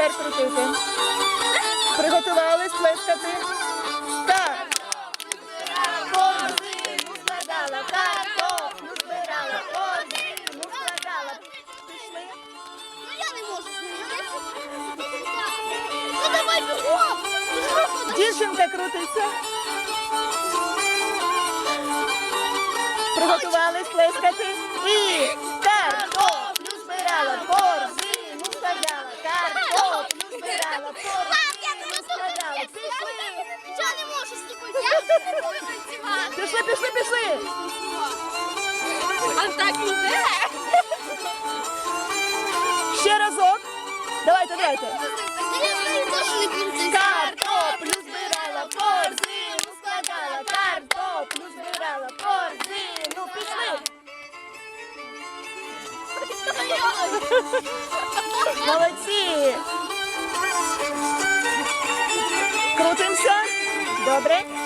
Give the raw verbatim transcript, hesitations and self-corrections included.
тепер крутити. Приготувались плескати. Так. Корзину складала, картоплю збирала, корзину складала. Пішли. Ну я не можу сміятися. Ну давай бігом. Дівчинка крутиться. Приготувались плескати. І картоплю збирала, корзину складала, картоплю збирала, корзину складала. Пішли. Я не можу слухати. Я вже не можу танцювати. Пішли, пішли, пішли. А так іде. Ще разок. Давайте, давайте. Я знаю, теж не крутиться. Картоплю збирала, корзину складала, картоплю збирала, корзину. Пішли. Молодці. Крутимося. Добре.